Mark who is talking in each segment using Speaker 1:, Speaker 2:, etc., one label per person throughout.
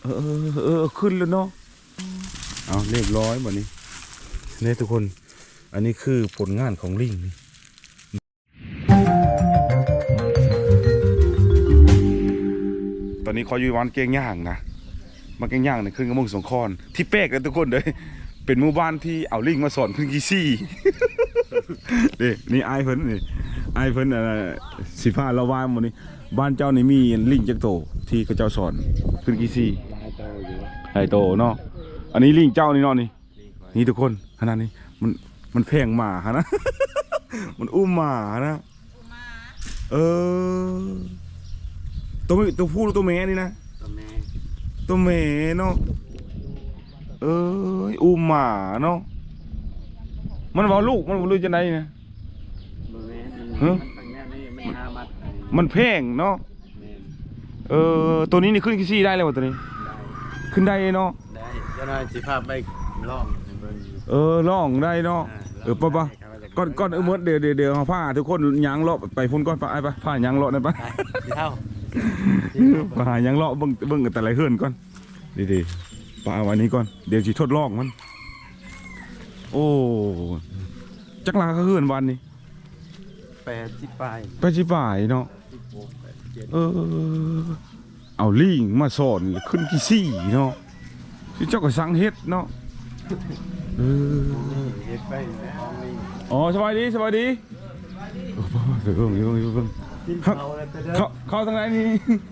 Speaker 1: ขึ้นแล้วเนาะเอาเรียบร้อยหมดนี้เนี่ยทุกคนอันนี้คือผลงานของลิงนี่ตอนนี้เขาอยู่วันเก่งย่างนะมาเก่งย่างเนี่ยขึ้นกระมงสงคอนที่เป๊กเลยทุกคนเลยเป็นหมู่บ้านที่เอาลิงมาสอนขึ้นกีซี่นี่ไอเพิ่นนี่ไอเพิ่นสิผ้าละวายหมดนี้บ้านเจ้านี่มีลิงจักโตที่เขาเจ้าสอนขึ้นกีซี่ไอโตเนาะอันนี้ลิงเจ้านี่เนาะนี่ทุกคนขนาดนี้มันแพงหมาฮะนะ มันอุ้มหมานะตัวผู้หรือตัวแม่นี่นะตัวแม่เนาะอุ้มหมาเนาะมันบอกลูกมันรู้จะไหนนะมันแพงเนาะตัวนี้นี่ขึ้นกี่ซี่ได้เลยวะตัวนี้ขึ้นได้เนาะ
Speaker 2: ได้จะน่าสิภาพไปล่อง
Speaker 1: ล่องได้เนาะป่ะก่อนเมื่อเดี๋ยวเอาผ้าทุกคนยางเลาะไปพุ่นก้อนไปผ้ายางเลาะได้ปะผ้ายางเลาะเบิ่งแต่ไรเฮือนก่อนดีๆป่าวันนี้ก่อนเดี๋ยวจะทดลองมันโอ้จักรลาเขาเฮือนวันนี้
Speaker 2: 80 ปล
Speaker 1: ายเนาะเอาลิงมาสอนขึ้นกี่ซี่เนาะที่เจ้าก็สั่งเฮ็ดเนาะ
Speaker 2: เฮ็ดไปแล้ว
Speaker 1: อ๋อสบายดีเบิ่งเข้าทางไหนนี่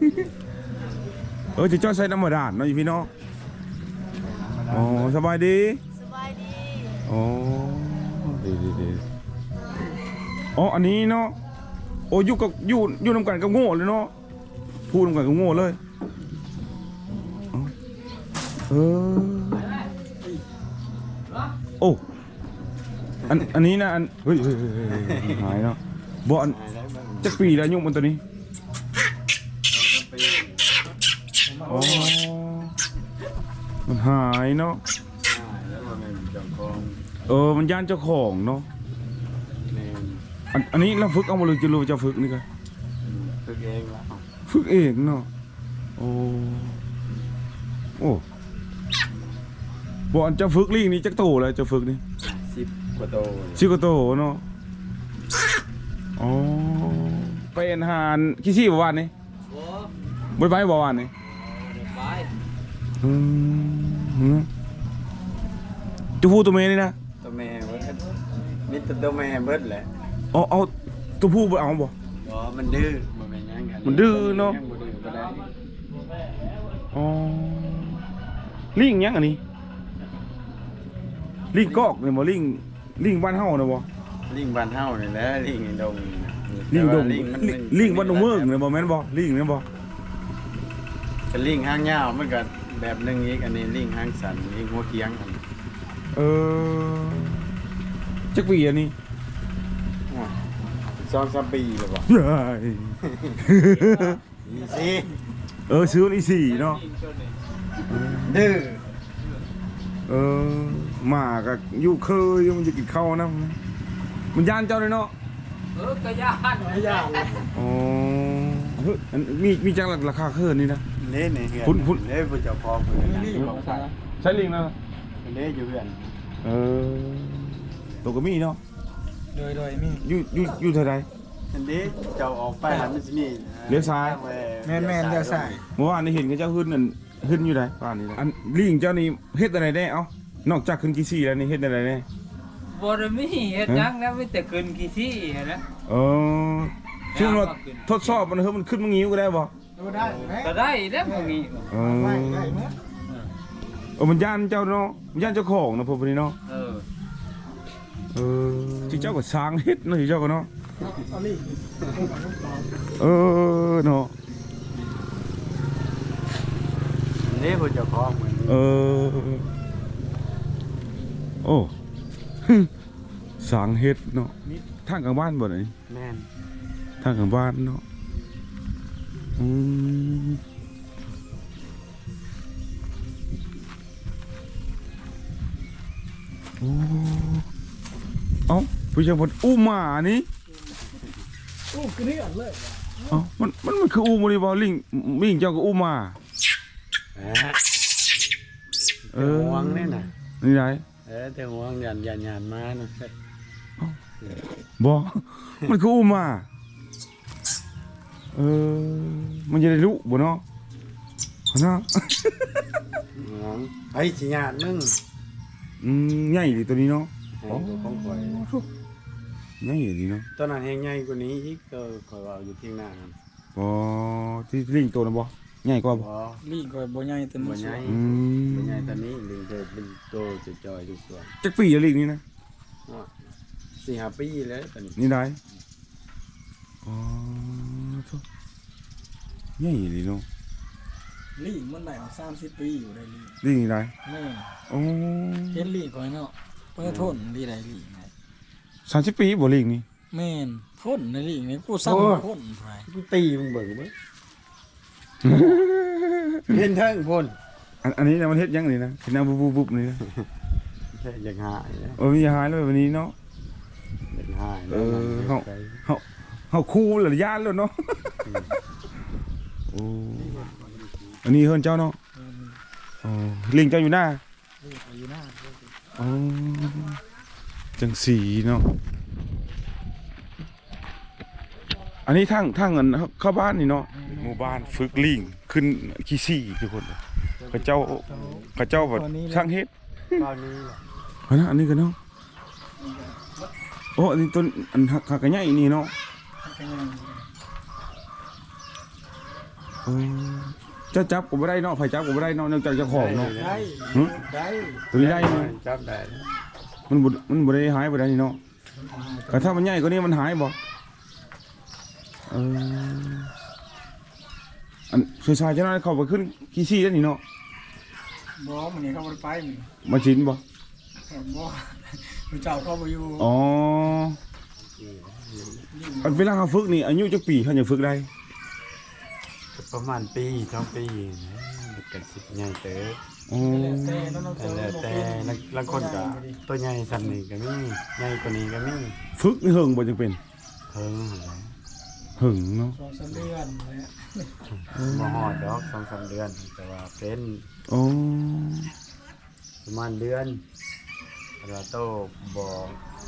Speaker 1: จะจ้อยใส่น้ำมันด่านเนาะพี่น้องอ๋อสบายดีอ๋อดีอ๋ออันนี้เนาะโอ้อยู่นำกันกับโง่เลยเนาะพูดนำกันกับโง่เลยโอ้อันนี้นะเฮ้ยหายเนาะบ่อันจะปีแล้วยุ่งมันตัวนี้อ๋อมันหายเนาะมันย่านเจ้าของเนาะอันนี้เราฝึกเอามาเลยจะรู้จะฝึกนี่กัน
Speaker 2: ฝึกเองแล้ว
Speaker 1: ฝึกเองเนาะโอ้บ่อันจะฝึกลิงนี่จักโตเลยจะฝึกนี่
Speaker 2: 10 กว่าโต
Speaker 1: เนาะอ๋อเป็นหานขี้ซี่บ่วานนี่บ่ไปบ่วานนี่จะพูดตัวเมย์นี่นะ
Speaker 2: ตัวแม่เบิดมีตัวแม่เบิดแหละ
Speaker 1: เอาตัวผู้ไปเอาบ่
Speaker 2: มันดื้อบ่แม่นยังกัน
Speaker 1: มันดื้อเนาะอ๋อลิงยังอันนี้ลิงกอกเนี่ยบ่ลิงบ้านเฮานะบ่
Speaker 2: ลิงบ้านเฮานี่แหละลิงดง
Speaker 1: ลิงบ้านดงเมืองเนี่ยบ่แม่นบ่ลิงเนี่ยบ่
Speaker 2: เป็นลิงหางยาวมันก็แบบนึงอีกอันนี้ลิงหางสั้นลิงหัวเกียงอัน
Speaker 1: จักปีอันนี้
Speaker 2: 2-3 ปีแล้วบ่
Speaker 1: ซื้อนี่4เนาะ
Speaker 2: ดื้อ
Speaker 1: หมาก็อยู่เคยมันจะกินข้าวนะมันย่านเจ้าเลยเนาะ
Speaker 2: ก็ย่าน
Speaker 1: อ๋อมีจังราคาเคยนี่นะ
Speaker 2: นี่คุณผู้เจ้าของ
Speaker 1: ใช้ลิงนะ
Speaker 2: นี่อยู่เพื่อน
Speaker 1: ตัวก็มีเนาะ
Speaker 2: โดยมี
Speaker 1: อยู่เท่าไร
Speaker 2: อันนี้เจ้าออกไปแล้วมันจะมี
Speaker 1: เลี้ยวซ้าย
Speaker 2: แม่นเลี้ยวซ้าย
Speaker 1: เมื่อวานนี้เห็นกับเจ้าขึ้นอยู่ไหนป่านนี้อันลิงเจ้านี่เฮ็ดอะไรได้นอกจากขึ้นกี่ซี่แล้วนี่เฮ็ดอะไรได้
Speaker 3: บ่ได้มีเฮ็ดยังนะมีแต่ขึ้นกี่ซี่นะ
Speaker 1: ช่วงเราทดสอบมันมันขึ้นมางิ้วก็ได้บ่
Speaker 3: ก็ได้แล้วพวกนี้
Speaker 1: มันย่านเจ้าเนาะมันย่านเจ้าของนะพวกนี้เนาะที่เจ้าก็สร้างเฮ็ดเนาะที่เจ้าก็เนาะเนาะ
Speaker 2: นี่ผู้เจ้าของ
Speaker 1: โอ้สร้างเฮ็ดเนาะทางกลางบ้านบ่ไหน
Speaker 2: แม่น
Speaker 1: ทางกลางบ้านเนาะผู้ชายคนอู้หมานี่
Speaker 4: คือนี่อันเลย
Speaker 1: มันคืออู้มาดิบอลิงเจ้าก็อู้หมา
Speaker 2: แต่ห่วงนี่น่ะ
Speaker 1: นี่ได้
Speaker 2: แต่ห่วงยันมานะ
Speaker 1: บ่ มันคืออุ้มมามันจะได้รู้บ่เนาะเนาะ
Speaker 2: ห่วงไปสิญาติมึง
Speaker 1: ใหญ่ดิตัวนี้เนาะ
Speaker 2: ของข่อย
Speaker 1: ใหญ่ดิเนาะ
Speaker 2: ตอนนั้นแห้งใหญ่กว่านี้อีกก็ข่อยว่าอยู่ที่หน้านั่น
Speaker 1: บ่ที่ลิงตัวนะบ่ใหญ่กว่าบ่
Speaker 2: บ่
Speaker 3: ลีกก็บ่ใหญ่แต่
Speaker 2: บ่
Speaker 3: มัน
Speaker 2: ใหญ่
Speaker 1: อืม
Speaker 2: บ่ใหญ่ตอนนี้ลิงเคยเป็นโตจะจอยทุกส่วน
Speaker 1: จักปีแล้วลิงนี่นะ
Speaker 2: 4-5 ปีแล้วตอนนี้
Speaker 1: นี่ได้อ๋อโธ่ใหญ่ดิเนาะ
Speaker 3: ลีกมันได้เอา30ปีอยู่ได้ลีก
Speaker 1: ลิงนี่ได้
Speaker 3: แม่
Speaker 1: โอ้
Speaker 3: เห็นลีกก่อนเนาะเพิ่นทนลีได้ลีกไง
Speaker 1: 30 ปีบ่ลิงนี่
Speaker 3: แม่นทนในลีกนี่กูซ้ำทนไป
Speaker 2: กูตีมึงเบิ่งเบิ่งเห็นเทิงพุ่น
Speaker 1: อันนี้นะมันเฮ็ดยังนี่นะเฮ็ดแนวบุบๆนี่นะ
Speaker 2: อยากหายนะ
Speaker 1: มีหายแล้วแบบนี้เนาะ
Speaker 2: อยากหาย
Speaker 1: เฮาคู่หรือย่านแล้วเนาะโอ้อันนี้เฮือนเจ้าเนาะอ๋อลิงเจ้าอยู่หน้า
Speaker 3: ลีกอยู่หน้า
Speaker 1: อ๋อจังสีเนาะอันนี้ทางเงินเข้าบ้านนี่เนาะหมู่บ้านฝึกลิงขึ้นขี้ซี่ทุกคนเขาเจ้าแบบช่างเฮ็ด
Speaker 2: ตอนนี้แหละ
Speaker 1: เอานะอันนี้กันเนาะโอ้อันนี้ต้นอันหักกระใหญ่นี่เนาะเจ้าจับก็บ่ได้เนาะไผจับก็บ่ได้เนาะนอกจากเจ้าของเนาะ
Speaker 2: ได้
Speaker 1: หึ
Speaker 2: ได้
Speaker 1: ตัวนี้ได้ไหม
Speaker 2: จับได้
Speaker 1: มันบ่ได้หายไปได้นี่เนาะแต่ถ้ามันใหญ่กว่านี้มันหายบ่อันชายๆเจ้าน้อยเข้าไปขึ้นขี้ซี่ได้นี่เนาะ
Speaker 3: บ่มื้อนี้เขาบ่ได้ไปมื้อ
Speaker 1: มาชินบ่
Speaker 3: บ่มื้อเจ้าเขาบ่อยู่
Speaker 1: อ๋ออันเวลาเขาฝึกนี่อายุจักปีเขาจะฝึกได้
Speaker 2: ประมาณปี2 ปีนะมันกันสิใหญ่เต๋อ
Speaker 1: อ๋อ
Speaker 3: แต่น้องๆ
Speaker 2: แต่บางคนก็ตัวใหญ่สั่นนี่ก็มีใหญ่กว่านี้ก็มี
Speaker 1: ฝึกนี่เฮิงบ่จังเป็น
Speaker 2: เพิ่งอะไร
Speaker 1: เฮิงเนาะ
Speaker 3: 2-3เดือนแหละ
Speaker 2: บ่ฮอดดอก2-3 เดือนแต่ว่าเป็น
Speaker 1: อ๋อ
Speaker 2: ประมาณเดือนเราโตบอก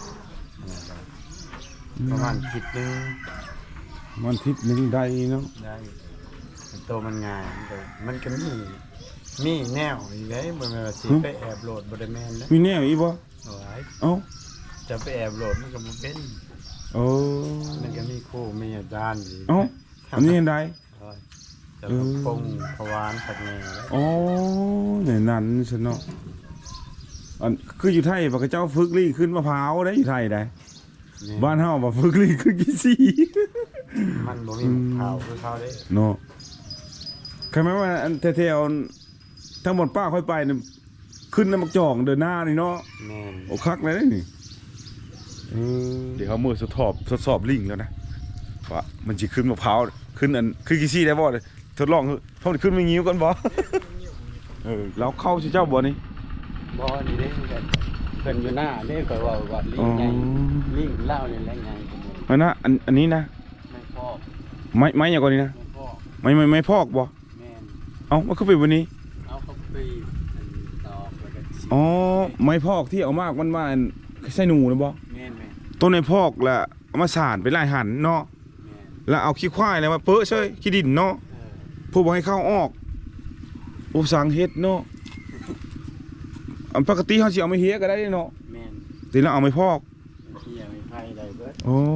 Speaker 2: ประมาณคิดนึง
Speaker 1: มันทิศหนึงได้เนาะ
Speaker 2: ได้โตมันง่ายมันก็มีแนวอีกเลยบ่แม่นว่าสิไปแอบโหลดบ่ได้แม่นแล้ว
Speaker 1: มีแนวอีกบ่
Speaker 2: โอ้ย
Speaker 1: เอ้า
Speaker 2: จะไปแอบโหลดมันก็บ่เป็น
Speaker 1: โอ้
Speaker 2: มันก็มีครูมีอาจารย์อีก
Speaker 1: เอ้าอันนี้เห็นได้
Speaker 2: โอ้ยจะมาปงพวานผัดแหน่แล้ว
Speaker 1: อ๋อเนี่ยนั่นซะเนาะอันคืออยู่ไทยปะกเจ้าฝึกลิงขึ้นมะพร้าวได้อยู่ไทยได้
Speaker 2: นี่
Speaker 1: บ้านเฮาบ่ฝึกลิงขึ้นขี้ซี่
Speaker 2: มันบ่มีข่าวคือเขาเด้
Speaker 1: เนาะใครไหมว่าอันแถวๆทั้งหมดป้าค่อยไปเนี่ยขึ้นน้ำมักจ่องเดินหน้านี่เนาะ
Speaker 2: แม่น
Speaker 1: โอ้คักเลยนี่เดี๋ยวเขามือทดสอบลิงแล้วนะว่ามันจะขึ้นมะพร้าวขึ้นอันขึ้นกี่ซี่ได้บ่เลยทดลองเขาขึ้นไม่งิ้วกันบ่ เราเข้าสิเจ้าบ่นี่
Speaker 2: บ่นี่เด้เพิ่นอยู่หน้าเด้ข่อยว่าลิงใหญ่ลิงเล่านี่แหละใหญ่กว่าหมู่
Speaker 1: อันนะอันนี้นะ
Speaker 2: ไม่พอก
Speaker 1: ไม้อย่างก่อนนี้นะ
Speaker 2: ไม่พอก
Speaker 1: ไม่พอกบ่
Speaker 2: แม่น
Speaker 1: เอ้ามันคือเป็นวันนี้
Speaker 2: เอาเข้าไปอันตอกแล้วก็ฉีด
Speaker 1: อ๋อไม้พอกที่เอามากมันมาอันใส่หนูนะบ่
Speaker 2: แม่นแม่น
Speaker 1: ต้นไม้พอกแล้วเอามาสานไปไล่หันเนาะ
Speaker 2: แม่น
Speaker 1: แล้วเอาขี้ควายอะไรมาเปอะเฉยขี้ดินเนาะผู้บ่ให้เข้าออกอุปสังเฮ็ดเนาะอันปกติเขาสิเอามาเฮียก็ได้เนาะ
Speaker 2: แม่น
Speaker 1: แต่เราเอาไม้พอก
Speaker 2: เที่ยวไม่ไผได้เบิด
Speaker 1: โอ้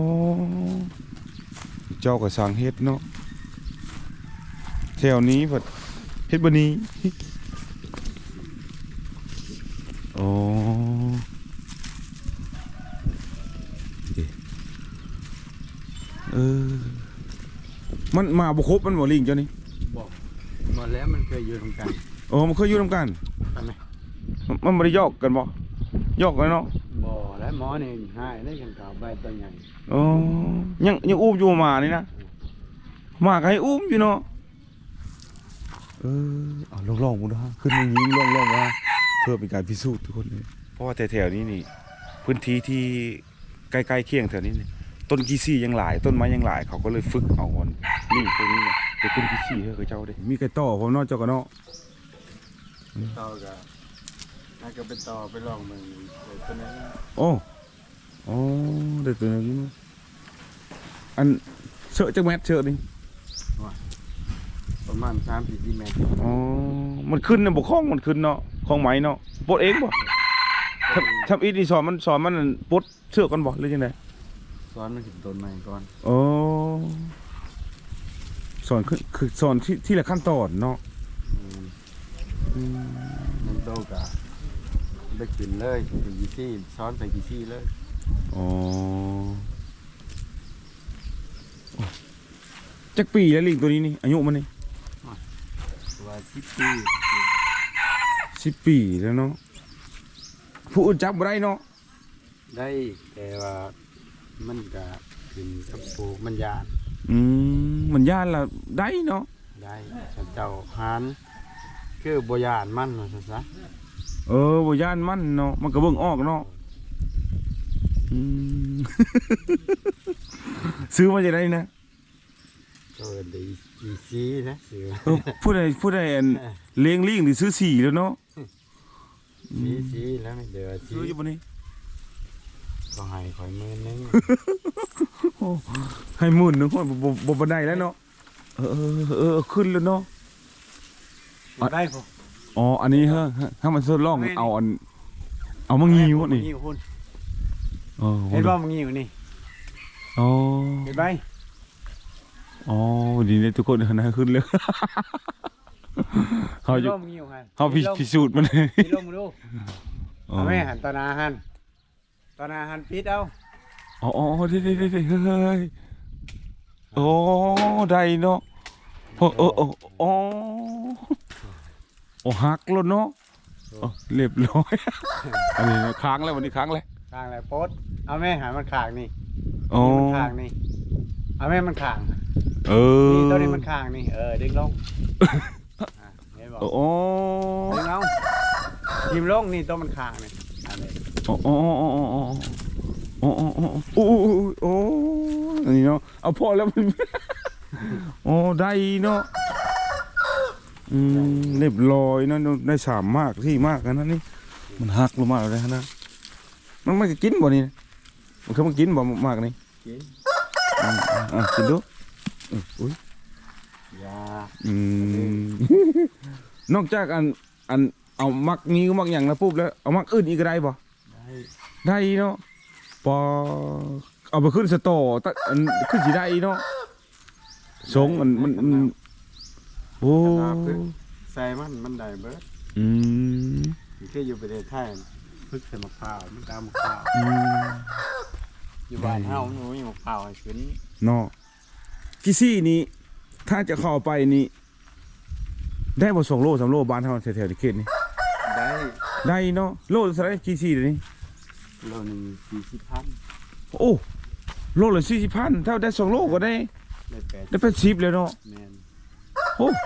Speaker 1: เจ้าก็สั่งเฮ็ดเนาะแถวนี้เพิ่นเฮ็ดบ่นี้โอ้มันมาบ่ครบมันบ่ลิงเจ้านี่
Speaker 2: บอกหมดแล้วมันเคยอยู่ตรงกลาง
Speaker 1: โอ้มันเคยอยู่นำกัน
Speaker 2: ใช่ไหม
Speaker 1: มันบ่ได้ยอกกันบ่ยอกกันเนาะ
Speaker 2: บ่แล้วหมอนี่หายได้กันเก่าใบตัวใหญ่
Speaker 1: โอ้ยังอุ้มอยู่หมานี่นะหมาก็ให้อุ้มอยู่เนาะเอาลองๆกูนะขึ้นมายิงลองๆว่าเพื่อเป็นการพิสูจน์ทุกคนเลยเพราะว่าแถวๆนี้นี่พื้นที่ที่ใกล้ๆเคียงแถวนี้นี่ต้นกีซี่ยังหลายต้นไม้ยังหลายเขาก็เลยฝึกเอาคนนี่พวกนี้เนี่ยไปขึ้นกีซี่ให้เขาเจ้าได้มีไก่ต่อผมเนาะเจ้าก็เนาะ
Speaker 2: ต่อกับน่าจะไปต่อไปลองมึงตัวนั้น
Speaker 1: โอ้โอ้เด็ดตัวนี้อันเสือจักแมทเสือนี่
Speaker 2: ประมาณ3-4 เมตร
Speaker 1: อ๋อมันขึ้นนะบ่คล้องมันขึ้นเนาะคล้องไหมเนาะปลดเองบ่ทำอีนี่สอนมันปลดเสือกันบ่หรือยังไง
Speaker 2: ซ้อนมันขึ้นต้นใหม่ก่อน
Speaker 1: อ๋อสอนคือสอนที่ละขั้นตอนเนาะ
Speaker 2: มันโตกับได้ขึ้นเลยไปกี่ซี่ซ้อนไปกี่ซี่เลย
Speaker 1: อ๋อจักปีแล้วลิงตัวนี้นี่อายุมันนี่
Speaker 2: ว่า10 ปี
Speaker 1: 10 ปีแล้วเนาะผู้อื่นจับบ่ได้เนาะ
Speaker 2: ได้แต่ว่ามันก็ขึ้นกับปลูกมันยาน
Speaker 1: มันย่านละได้เนาะ
Speaker 2: ได้ฉันเจ้าหานคือบ่ยานมันว่าซั่นซะ
Speaker 1: บ่ย่านมันเนาะมันก็เบิ่งออกเนาะซื้อมาจากไหนนะ
Speaker 2: ก็ได้อีซีนะซื้อ
Speaker 1: ผู้ใดอันเลี้ยงลิงนี่ซื้อ4แล้วเนาะ
Speaker 2: ซีแล้วไม่เดือซี
Speaker 1: ซื้ออยู่บ่นี่
Speaker 2: ก็ให้ข่อยมื้อนึง
Speaker 1: ให้หมื่นนึงบ่ได้แล้วเนาะขึ้นแล้วเนาะ
Speaker 2: ได้พอ
Speaker 1: อ๋ออันนี้ฮะถ้ามันทดลองเอามางิ้วนี่
Speaker 2: งิ้วคุณ
Speaker 1: อ๋อ
Speaker 2: เห็นบ่มันงิ้วนี่
Speaker 1: อ๋อ
Speaker 2: เห็นไหม
Speaker 1: อ๋อดีเลยทุกคนนะขึ้นเลยเขา
Speaker 2: เห็น
Speaker 1: อยู่
Speaker 2: บ่มันงิ้วหั่น
Speaker 1: เขาพิสูจน์มันเลย
Speaker 2: พี่ลงมาดูเอาแม่หันตอนอาหันปิดเอา
Speaker 1: อ๋อเฮ้ยโอ้ได้เนาะโอ้หักแล้วเนาะเรียบร้อยอันนี้ค้างแล้ววันนี้ค้างเลย
Speaker 2: ข้างอะไรโพสเอาแม่หันมันขางนี่
Speaker 1: อ๋อ
Speaker 2: มันขางนี่เอาแม่มันขาง นี่ตัวนี้มันขางนี่ดึงลงเห็นบ่
Speaker 1: โอ้
Speaker 2: ดึงลงทิมลงนี่ตัวมันขางนี่อันนี้
Speaker 1: โอ้อันนี้เนาะเอาพอแล้วมันโอ้ได้เนาะเรียบร้อยนะได้3มากที่มากนะนี่มันหักลงมาเลยนะมันไม่กินบ่นี่มันเคยมากินบ่มากนี่
Speaker 2: กิน
Speaker 1: กินดูอุ้ย
Speaker 2: ยาน
Speaker 1: อกจากอันเอามักนี้ก็มักอย่างนะปุ๊บแล้วเอามักอื่นอีกก็ได้บ่
Speaker 2: ได้
Speaker 1: ได้เนาะพอเอาไปขึ้นสตอตั้งขึ้นสิได้เนาะสงมันโอ้
Speaker 2: ใส่มันได้เบิดมันคืออยู่ประเทศไทยพึกใส่มะพร้าวมันตามมะพร้าวอยู่บ้านเฮามันบ่มีมะพร้าวให้ขึ้น
Speaker 1: เนาะกิซี่นี้ถ้าจะเข้าไปนี่ได้บ่2 โล 3 โลบ้านเฮาแถวๆที่เขตนี่
Speaker 2: ได้
Speaker 1: ได้เนาะโลเท่าไหร่กิซี่เดี๋ยวนี้
Speaker 2: โลนึง40,000
Speaker 1: โอ้โลละ40,000ถ้าได้2 โลก็ได้
Speaker 2: ได้8
Speaker 1: ได้80แล้วเนาะ
Speaker 2: แม่น
Speaker 1: โอ้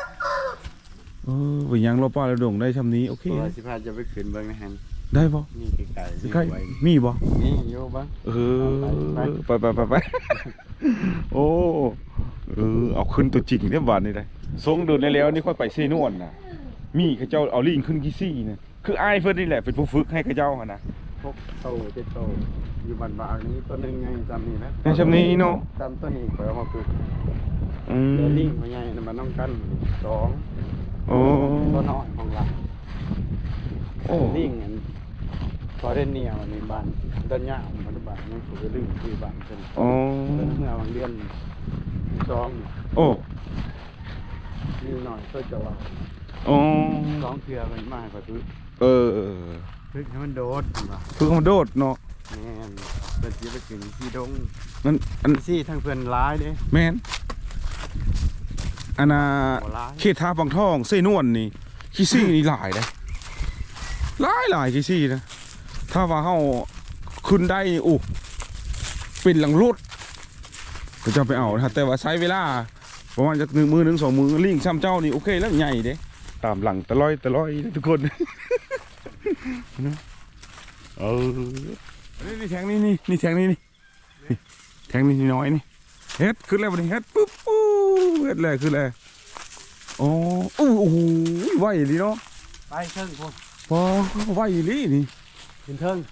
Speaker 1: ไปยังเราป้าเราดงได้ชำนี้โอเค
Speaker 2: เพราะว่าสิพาจะไปขึ้นเบิ่งนะฮัน
Speaker 1: ได้ปะ
Speaker 2: นี่ไกลๆ
Speaker 1: ใกล้มีปะ
Speaker 2: นี่อยู่บ้าง
Speaker 1: ไปโอ้เอาขึ้นตัวจริงเนี่ยบาทนี่ได้ทรงเดินได้แล้วนี่ค่อยไปเซนวนนะมีข้าเจ้าเอาลิงขึ้นกี่ซี่นะคือไอ้เพื่อนนี่แหละเป็นผู้ฝึกให้ข้าเจ้านะ
Speaker 2: พวกโตอยู่บ้านบางนี้ตัวนึงไงจำนี่นะ
Speaker 1: ในชำนี้เนาะ
Speaker 2: จำตัวนี้ข่อยเอามาฝึกเดี๋ยวลิงมาไงมันต้องกัน2
Speaker 1: โอ้
Speaker 2: ตัวน้อยของเรา
Speaker 1: โอ้
Speaker 2: ลิงอันพอได้เนียวในบ้านด้านหน้าของบ้านนั่นคือลิงที่บ้านเพิ่น
Speaker 1: โอ้
Speaker 2: เมื่อบางเดือน2
Speaker 1: โอ้
Speaker 2: นิดหน่อยก็จะว่า
Speaker 1: โอ้
Speaker 2: 2เทื่อมันมากกว่าคือ ฝึกให้มันโดดว่ะ
Speaker 1: ฝึกมันโดดเนาะ
Speaker 2: แม่นเพิ่นสิไปถึงที่ดง
Speaker 1: มันอัน
Speaker 2: ซี่ทั้งเพิ่นร้ายเด้
Speaker 1: แมนอันน่ะ
Speaker 2: บ่ร้าย
Speaker 1: เขตทาบางทองเซนวนนี่ขี้ซี่นี่หลายเลยหลายขี้ซี่นะถ้าว่าเฮาขึ้นได้นี่โอ้เป็นหลังรถก็จะไปเอานะแต่ว่าใช้เวลาประมาณจะ1 มือ 1 2 มือลิงซ้ำเจ้านี่โอเคแล้วใหญ่เด้ตามหลังตะลอยนะทุกคนนี่แทงนี่แทงนี่แทงนี่น้อยนี่เฮ็ดขึ้นแล้วบัดนี้เฮ็ดปุ๊บเฮ็ดแล้วขึ้นแล้วโอ้โหไหวดีเนาะ
Speaker 2: ไปเทิงพุ่น
Speaker 1: พอไหวอีหลีนี่
Speaker 2: ขึ้นเทิง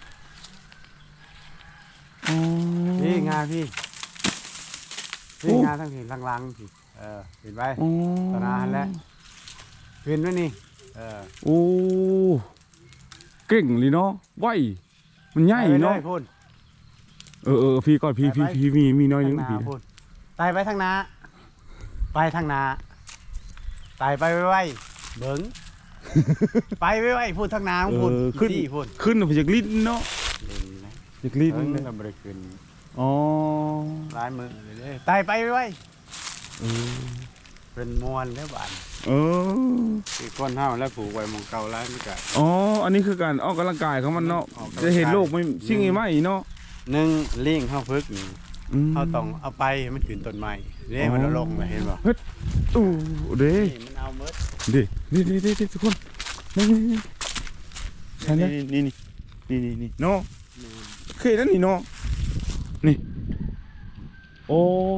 Speaker 1: อ๋อ
Speaker 2: พี่งาพี่
Speaker 1: โอ้
Speaker 2: พี่งาทั้งทีลังๆพี่เห็นไป
Speaker 1: อ๋อ
Speaker 2: ตอนนั้นแหละขึ้นไว้นี่
Speaker 1: โอ้เก่งเลยเนาะไหวมันใหญ่เนาะ
Speaker 2: ไปลยพุ่น
Speaker 1: พี่ก่อนพี่
Speaker 2: ไป
Speaker 1: พี่มีน้อยนึง
Speaker 2: ทาง
Speaker 1: พี่
Speaker 2: นาพุ่นไต่ไปทางนาไปทางนาไต่ไปไว้เบิ้ง ไปไว้พูดทางนาของพุ่น
Speaker 1: ขึ้น
Speaker 2: ที่พุ่น
Speaker 1: ขึ้นไปจากลิ้นเนาะจากลิ้น
Speaker 2: เบิ้ง
Speaker 1: เลย
Speaker 2: เราบริขึ้น
Speaker 1: อ๋อ
Speaker 2: ร้ายมือเลยไต่ไปไว้
Speaker 1: เออ
Speaker 2: เป็นมวนแล้วบาน
Speaker 1: เออ
Speaker 2: คือก้นเท้าแล้วผูกไว้หมองเก่าแล้วนี่ก็
Speaker 1: อ๋ออันนี้คือการออกกำลังกายของมันเนาะ
Speaker 2: ออกกำลังกาย
Speaker 1: จะเห็นโลกไม่สิ่งใหม่เนาะ
Speaker 2: หนึ่งเลี้ยงเข้าพึกนี่
Speaker 1: ม
Speaker 2: เขาต้องเอาไปให้มันขึ้นต้นไม้นี่มันเอาลงเลยเห็นป่ะ
Speaker 1: อู้เด้
Speaker 2: นี่มันเอาเมิด
Speaker 1: เด้นี่ทุกคนนี่ใช่นะนี่เนาะเคยนั่นนี่เนาะนี่โอ้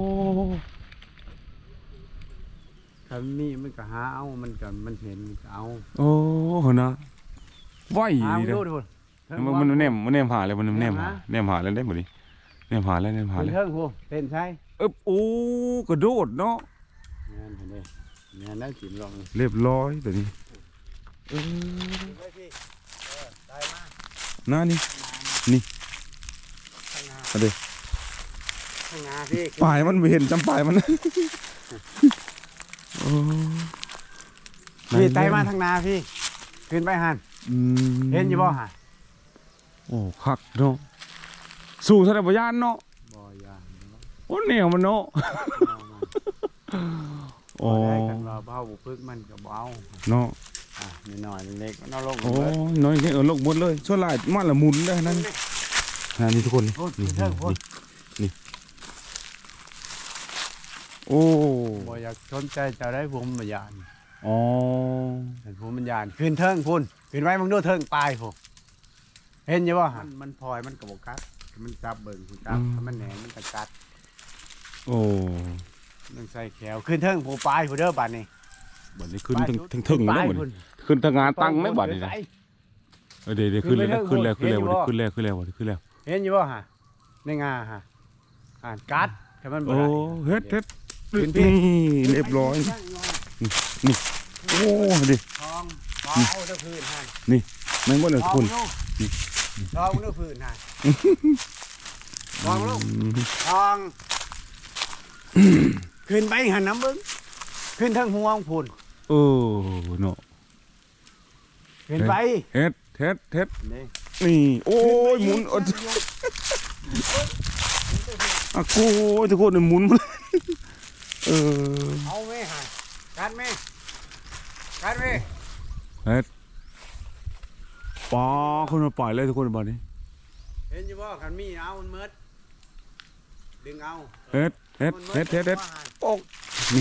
Speaker 2: ถ้ามีมันก็หาเอามันก็มันเห็นมันก็เอา
Speaker 1: โอ้นะไหว
Speaker 2: หา
Speaker 1: ดี
Speaker 2: มัน
Speaker 1: เลย
Speaker 2: ดูดิพุ่น
Speaker 1: มันแนมหาเลยมันแนมหาแล้วได้หมดดิแนมหาแล้ว
Speaker 2: ขึ้นเทิงพุ่นเต้นใช่
Speaker 1: โอ้กระโดดเนาะ
Speaker 2: งานเห็นดิงานนั่งจิ้มลอง
Speaker 1: เรียบร้อยแบบนี้
Speaker 2: ได้มาก
Speaker 1: หน้านี่เอาดิ
Speaker 2: ข้างหน้าพี่
Speaker 1: ปลายมันไม่เห็นจำปลายมันโอ้
Speaker 2: พี่ไต่มาทางนาพี่ขึ้นไปหัน
Speaker 1: อืม
Speaker 2: เห็นอยู่บ่หัน
Speaker 1: โอ้คักเนาะสู่ทะเลพยานเนาะ
Speaker 2: บ่ยา
Speaker 1: โอ้เหนียวมันเนาะ
Speaker 2: โอ้ได้กันว่าเบาบุพึกมันก็เบา
Speaker 1: เนาะ
Speaker 2: นิดหน่อยเล็กๆมันเอาลง
Speaker 1: โอ้น้อยนี่ลงหมดเลยส่วนหลายมันละหมุนได้นั่นนี่ทุกคนนี่
Speaker 2: พุ่นขึ้นเทิงพุ่น
Speaker 1: โอ้
Speaker 2: บ่อยากสนใจจะได้ภูมิปัญญาณ
Speaker 1: อ๋อ
Speaker 2: เป็นภูมิปัญญาณขึ้นเทิงพุ่นขึ้นไว้มึงดูเทิงปลายพุ่นเห็นอยู่บ่หันมันพลอยมันกระบอกกัดมันจับเบิ่งคุณจับถ้ามันแหนมันกระกัด
Speaker 1: โอ้
Speaker 2: มันใส่แขวขึ้นเทิงผู้ปลายผู้เด้อบัดนี้
Speaker 1: บัดนี้ขึ้นถึงแล้วบัดนี้ขึ้นทางงานตั้งแล้วบัดนี้นะเดี๋ยวขึ้นแล้วขึ้นแล้ว
Speaker 2: เห็นอยู่บ่ฮะในงาฮะกัดถ้ามันบ่
Speaker 1: โอ้
Speaker 2: ได้
Speaker 1: เฮ็ดนี่เรียบร้อยโอ้ดิ
Speaker 2: ทองเอาเด้อพื้นฮะ
Speaker 1: แม่งบ่เลยทุกคน
Speaker 2: ทองเด้อพื้นฮะทองลูกทอง ขึ้นไปหันน้ำบึ้งขึ้นทางหัวของพุ่น
Speaker 1: เออเนาะ
Speaker 2: ขึ้นไป
Speaker 1: เฮ็ด
Speaker 2: นี่
Speaker 1: นี่โอ้ยหมุนอ่ะกูทุกคนหมุนเออ
Speaker 2: เอาไหมฮะกัดไหมกัดไหม
Speaker 1: เฮ็ดป้าคนมาปล่อยเลยทุกคนบัดนี้
Speaker 2: เห็นอยู่บ่ขันมีเอามันเมิดดึงเอา
Speaker 1: เฮ็ดโอ้นี่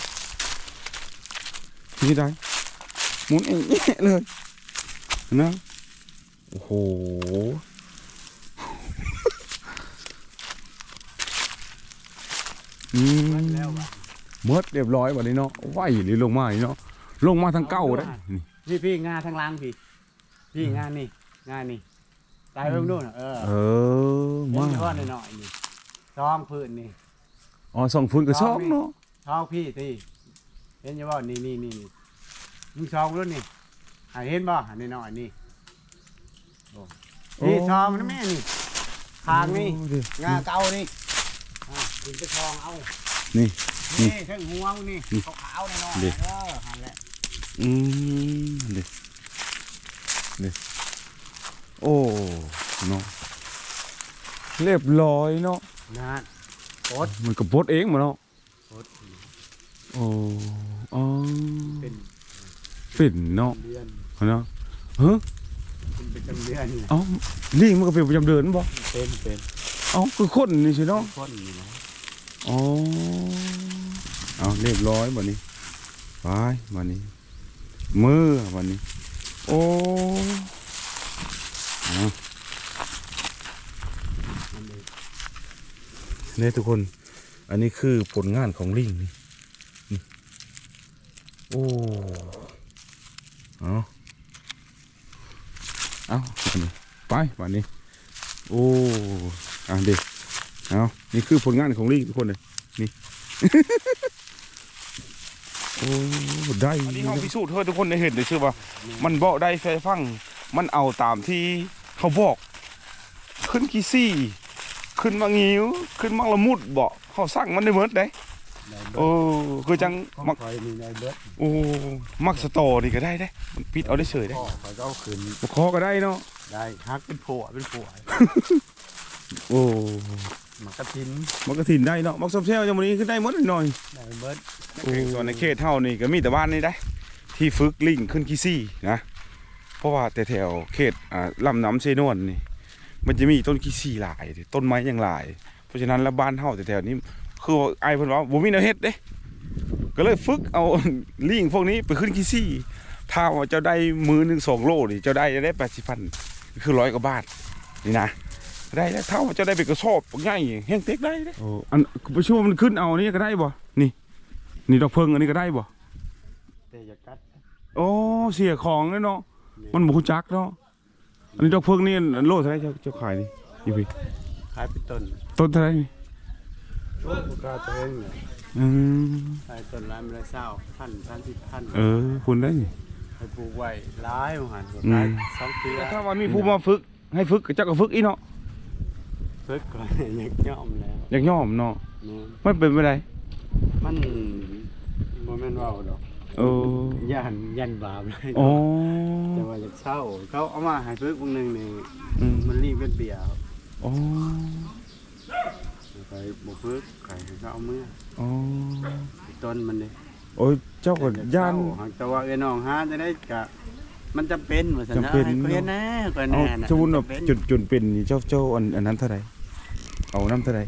Speaker 1: ที่ได้หมุนเองเลยนะโอ้โห
Speaker 2: แล้วว่ะ
Speaker 1: เมิดเรียบร้อยบัดนี้เนาะไหวหรือลงมาอีกเนาะลงมาทางเก้าได้นี่
Speaker 2: พี่งาทางล่างพี่งานนี่ตายเพิ่งนู่นเออ
Speaker 1: มา
Speaker 2: เห็นอยู่บ่หน่อยๆนี่ซองพื้นนี่
Speaker 1: อ๋อส่องฟื้นกับซ่องเนาะ
Speaker 2: ซองพี่ตีเห็นอยู่บ่นี่มึงซองรุ่นนี่เห็นบ่หน่อยๆนี่นี่ซองนะแม่นี่ทางนี่งาเก่านี่ถึงไปซองเอา
Speaker 1: นี่
Speaker 2: นี่เส้นหัวนี่ขาวๆหน่อยหันแหละ
Speaker 1: เด็โอ้เนาะเรียบร้อยเนาะ
Speaker 2: นะโคตร
Speaker 1: มันก็บดเองมาเนาะ
Speaker 2: โคตร
Speaker 1: โอ้อ๋อ
Speaker 2: เป็น
Speaker 1: เป็นเนาะ
Speaker 2: เดือน
Speaker 1: เนาะเฮ้ย
Speaker 2: เป็นประจำเดือนนี่
Speaker 1: เอ้าลิงมันก็เป็นประจำเดือนบ่
Speaker 2: เป็น
Speaker 1: เอ้าคือคนนี่ใช่เนาะ
Speaker 2: คนนี่นะ
Speaker 1: อ๋อเอาเรียบร้อยบัดนี้ไปบัดนี้มือบัดนี้โอ้เนี่ยทุกคนอันนี้คือผลงานของลิงนี่โอ้เอาเอาไปวันนี้โอ้ดิเอานี่คือผลงานของลิงทุกคนเลยนี่ โอ้ได้อันนี้เขาพิสูจน์เธอทุกคนได้เห็นเลยใช่ป่ะมันบอกได้ไฟฟังมันเอาตามที่เขาบอกขึ้นกี่ซี่ขึ้นมางิ้วขึ้นมาละมุดบอกเขาสั่งมันได้เมิดได้โอ้คือจังมัก
Speaker 2: คอยมีในเบิด
Speaker 1: โอ้มักสตอนี่ก็ได้ได้มันปิดเอาได้เฉยได้
Speaker 2: พ่อเขาก็เอาคืน
Speaker 1: บ่คอก็ได้เนาะ
Speaker 2: ได้ฮักเป็นผัว
Speaker 1: โอ้
Speaker 2: มันกระทิน
Speaker 1: มักกระถินได้เนาะมักซบเซลจังมื้อนี้ขึ้นได้หมดหน่อย
Speaker 2: ได้เบิด
Speaker 1: ส่วนในเขตเท่านี่ก็มีแต่บ้านนี่ได้ที่ฝึกลิงขึ้นขี้ซี่นะเพราะว่าแต่แถวเขตลำน้ำเซนวนนี่มันจะมีต้นขี้ซี่หลายต้นไม้ยังหลายเพราะฉะนั้นแล้วบ้านเท่าแต่แถวนี้คือไอ้เพิ่นว่าบ่มีแนวเฮ็ดเด้ก็เลยฝึกเอา ลิงพวกนี้ไปขึ้นขี้ซี่ถ้าว่าเจ้าได้มือหนึ่ง2 โลนี่เจ้าได้80,000คือ100 กว่าบาทนี่นะได้แล้วเท่าว่าเจ้าได้ไปกระสอบง่ายแห้งเต็กได้เด้โอ้อันไปช่วยมันขึ้นเอานี่ก็ได้บ่นี่ดอกเพิงอันนี้ก็ได้บ่
Speaker 2: แต่อย่ากัด
Speaker 1: โอ้เสียของเลยเนาะมันบุกจักเนาะอันนี้ดอกเพิงนี่โลเท่าไหรเจ้าขายนี่อยู่พี่
Speaker 2: ขายเป็นต้น
Speaker 1: ต้นเท่าไหรนี่
Speaker 2: ช่วงกาตัวเองเนี่ย
Speaker 1: อืม
Speaker 2: ขายต้นร้านละ1,000
Speaker 1: คุณได้นี่
Speaker 2: ให้ปลูกไว้หลายหัน
Speaker 1: อืม
Speaker 2: ขาย2 ปีแล้ว
Speaker 1: ถ้าวันมีผู้มาฝึกให้ฝึกเจ้าก็ฝึกอีเนาะ
Speaker 2: ฝึกก่อนอยากย่อมแล้ว
Speaker 1: อยากย่อมเนาะ
Speaker 2: นี่
Speaker 1: ไม่เป็นไปได้
Speaker 2: มันบ่แม่นเว้าดอก
Speaker 1: โอ้
Speaker 2: ย่านบาปเลย
Speaker 1: โอ้
Speaker 2: แต่ว่าอยากเช่าเขาเอามาให้ฝึกวงหนึงนี่
Speaker 1: อืม
Speaker 2: มันรีบเป็นเบียร์ครับ
Speaker 1: โอ้
Speaker 2: ไปบ่ฝึกไข่เขาเอามือ
Speaker 1: โอ้
Speaker 2: ต้นมันนี่
Speaker 1: โอ้ยเจ้าก็ย่าน
Speaker 2: แต่ว่าเอ้น้องหาจะได้กะมันจำเป็นว่าซั่นนะ
Speaker 1: จำเป็น
Speaker 2: ให้เขาเฮ็ดนะก็
Speaker 1: เอา
Speaker 2: แน่น่ะ
Speaker 1: สมมุติว่า
Speaker 2: จำเป็น
Speaker 1: จนเป็นนี่เจ้าอันนั้นเท่าไหร่เอาน้ำเท่าไหร่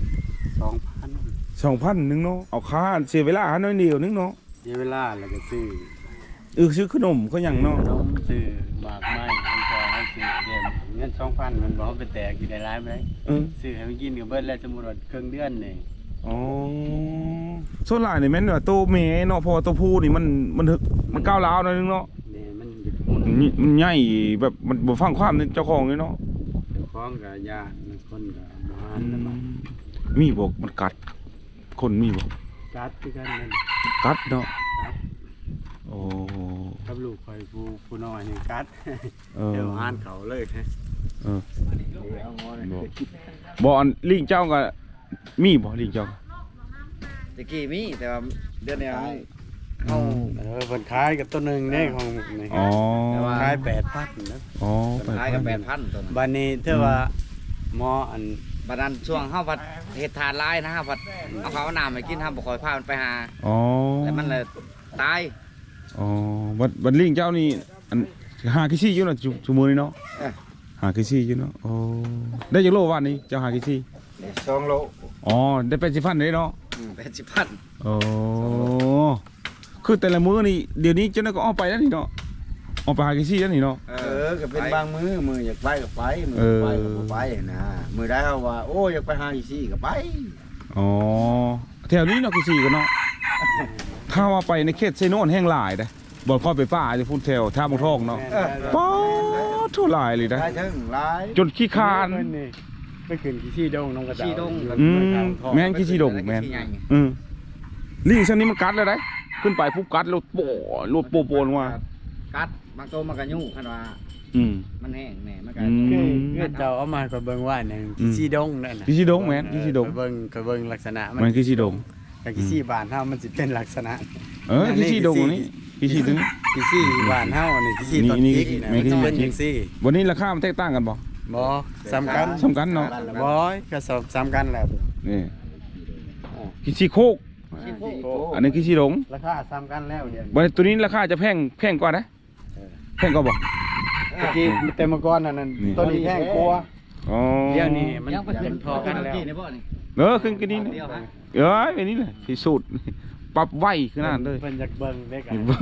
Speaker 2: 2,000
Speaker 1: 2,000นึงเนาะเอาค่าเสียเวลาน้อยเดียวนึงเนาะ
Speaker 2: เสียเวลาแล้วก็ซื้อ
Speaker 1: ซื้อขนมก็ยังเนาะ
Speaker 2: ขนมซื้อหมากไม้มันก็ให้ซื้อเดี๋ยวเงิน 2,000 มันบ่เอาไปแตกอยู่ได้หลายบ่ได้
Speaker 1: เออ
Speaker 2: ซื้อให้มันกินก็เบิดแล้วสมมุติว่าครึ่งเดือนนี่
Speaker 1: อ๋อส่วนหลายนี่แม่นว่าตัวแม่เนาะเพอตัวผู้นี่มันถึกมันก้าวร้าวหน่อยนึงเนาะ
Speaker 2: นี่มัน
Speaker 1: มันใหญ่แบบมันบ่ฟังความเจ้าของเลยเนาะ
Speaker 2: เจ้าของก็ญาติคนก็บ่หานแล้วมัน
Speaker 1: มีบ่มันกัด คนมีบ่
Speaker 2: กัดคือกันนั่น
Speaker 1: กัดเนาะ
Speaker 2: กัด
Speaker 1: โอ้
Speaker 2: กับลูกข่อยผู้น้อยนี่กัด
Speaker 1: เออ
Speaker 2: เดี๋ยวหานเขาเลยฮะ
Speaker 1: เออ
Speaker 2: เอางอเลย
Speaker 1: บ่อันลิงเจ้าก็มีบ่ลิงเจ้า
Speaker 4: ตะกี้มีแต่ว่าเดือนนี้เอา
Speaker 2: เพิ่นขายกับตัวหนึงนี่ของนี่
Speaker 1: อ๋อ
Speaker 2: ขาย 8,000นะ
Speaker 1: อ๋อ
Speaker 4: ต้นขายกับ8,000ตัวนั้น
Speaker 2: บัดนี้เท่าว่าหมออัน
Speaker 4: บัดนั้นช่วงเฮาพัดเฮ็ดทานหลายนะเฮาพัดเอาข้าวเอาน้ำให้กินเฮาบ่ค่อยพามันไปหา
Speaker 1: อ๋อ
Speaker 4: แล้วมันเลยตาย
Speaker 1: อ๋อบัดลิงเจ้านี่อันหากี่ซี่อยู่เนาะชั่วโมงนี้เนาะหากี่ซี่อยู่เนาะโอ้ได้จักโลวันนี้เจ้าหากี่ซี่
Speaker 2: 2 โล
Speaker 1: อ๋อได้80,000เลยเนาะ
Speaker 4: 80,000
Speaker 1: โอ้คือแต่ละมื้อนี่เดี๋ยวนี้เจ้าน่ะก็ออกไปแล้วนี่เนาะออกไปหากี่ซี่แล้วนี่เนาะ
Speaker 5: ก็เป็นบางมืออยากไปก็ไปมือ
Speaker 1: เออ
Speaker 5: ไปก็บ่ไปนะมือได้เขาว่าโอ้อยากไปหาอีซี่ก็ไป
Speaker 1: อ๋อแถวนี้เนาะกี่ซี่กันเนาะถ้าว่าไปในเขตไซโนนแห้งหลายเด้บ่พอไปป่าจะพูดแถวท่าบางทองเนาะป๊อดเท่าหลายเลยนะ
Speaker 5: ไปถึงหลาย
Speaker 1: จนขี้คาน
Speaker 2: เพิ่นนี่ไปขึ้นที่ซี่ดงน้องกระเจ้า
Speaker 4: ขี้ดง
Speaker 1: แม่นขี้ชีดงแม่นลิงเส้นนี้มันกัดเลยได้ขึ้นไปปุ๊บกัดแล้วโป้รถโปนว่า
Speaker 4: กัดบางตัวมันก็ยุ่งคันว่า
Speaker 1: อืม
Speaker 4: มันแห้งแหน่มันก็
Speaker 2: คือเจ้าเอามาก็เบิ่งว่าหนึงที่ซี่ดงนั่นน่ะ
Speaker 1: ขี้ชีดงแม่นขี้ชีดง
Speaker 2: ก็เบิ่งลักษณะ
Speaker 1: มันขี้ชีดง
Speaker 2: กับขี้ซี่บ้านเฮามันสิเป็นลักษณะ
Speaker 1: ขี้ชีดงนี่ขี้ชีดง
Speaker 2: ขี้ซี่บ้านเฮานี่ขี้ซี่ต้น
Speaker 1: นี่
Speaker 2: พริกนะ
Speaker 1: แม่
Speaker 2: มัน
Speaker 1: ขี้
Speaker 2: สิ
Speaker 1: ซี่
Speaker 2: เป็นจังซี่
Speaker 1: วันนี้ราคามันแตกต่างกันบ่
Speaker 2: บ่สำคัญ
Speaker 1: สำคัญเนาะ
Speaker 2: บ่ก็สำคัญแหละ
Speaker 1: นี่ขี้ชีโคก อันนี้ขี้ชีดง
Speaker 2: ราคาสำคัญแล้วเดี๋ยวนี้
Speaker 1: วันตัวนี้ราคาจะแพงกว่านะแพงกว่าบ่
Speaker 2: เมื่อกี้แต่เมื่อก่อนนั่น
Speaker 1: นี่
Speaker 2: ต้นนี้แพงกว่า
Speaker 1: อ๋อ
Speaker 2: เดี๋ยวนี้มัน
Speaker 4: ยังไปขึ้น
Speaker 2: พอกันแล้ว
Speaker 4: นี่บ่นี่
Speaker 1: ขึ้นกันนี่นะ
Speaker 4: เดียวฮะ
Speaker 1: อันนี้เลยพิสูจน์ปรับไวขึ้นนั่นเลย
Speaker 2: เพิ่นอยากเบิ่งเด็ก
Speaker 1: อย่าเบิ่ง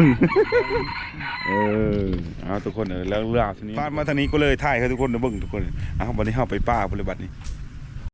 Speaker 1: เอาทุกคนแล้วเรื่องทีนี้มาทางนี้ก็เลยถ่ายให้ทุกคนเบิ่งทุกคนเอาวันนี้เฮาไปป่าปฏิบัตินี่